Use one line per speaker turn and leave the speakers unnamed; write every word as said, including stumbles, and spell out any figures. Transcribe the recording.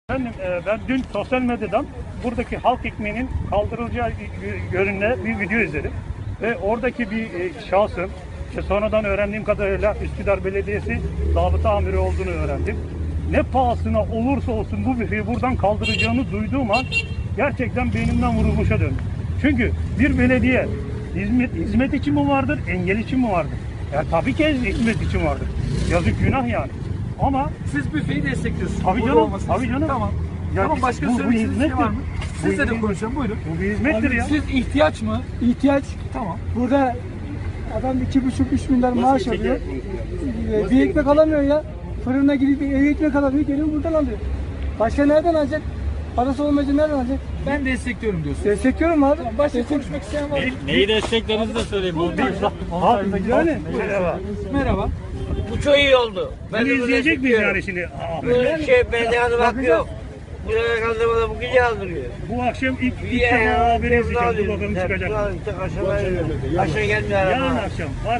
Efendim, e, ben dün sosyal medyadan buradaki halk ekmeğinin kaldırılacağı yönünde bir video izledim. Ve oradaki bir e, şahsın, işte sonradan öğrendiğim kadarıyla Üsküdar Belediyesi zabıta amiri olduğunu öğrendim. Ne pahasına olursa olsun bu büfeyi buradan kaldıracağını duyduğum an gerçekten beynimden vurulmuşa döndüm. Çünkü bir belediye hizmet, hizmet için mi vardır, engel için mi vardır? Ya tabii ki hizmet için vardır. Yazık, günah yani. Ama
siz büfeyi destekliyorsunuz.
tabii
Burada
canım,
olmasını
tabii
istiyorum.
canım.
Tamam.
Ya
tamam, başka
bu- bu
söyleyeceğiniz bir şey
hizmettir.
var mı?
Bu
Sizle de
hizmet-
konuşalım, buyurun.
bu bir hizmettir ya.
Siz ihtiyaç mı?
İhtiyaç.
Tamam.
Burada adam iki buçuk üç milyar maaş alıyor. Ee, Bir ekmek alamıyor ya. Fırına gidip bir ev ekmek alamıyor. Geliyor buradan alıyor. Başka nereden alacak? Parası olmayınca nereden alacak?
Ben destekliyorum diyorsun.
Destekliyorum abi.
Başka
Destek-
konuşmak isteyen var mı?
Neyi desteklerinizi de söyleyeyim. Bu
Halk yani. Merhaba.
Merhaba.
Bu çok iyi oldu. Ben
Bunu
de bunu
izleyecek miyiz
destekliyorum.
yani şimdi? Aa,
Böyle şey belediye adı bak yok. Buraya kaldırmada bu gece aldırıyor.
bu akşam ilk, ilk
Ya,
defa haberi
ya,
izleyeceğim. Dur
ya,
bakalım
ya,
çıkacak.
ya, işte aşağı, aşağı gelmiyor
Yarın
araba.
akşam var.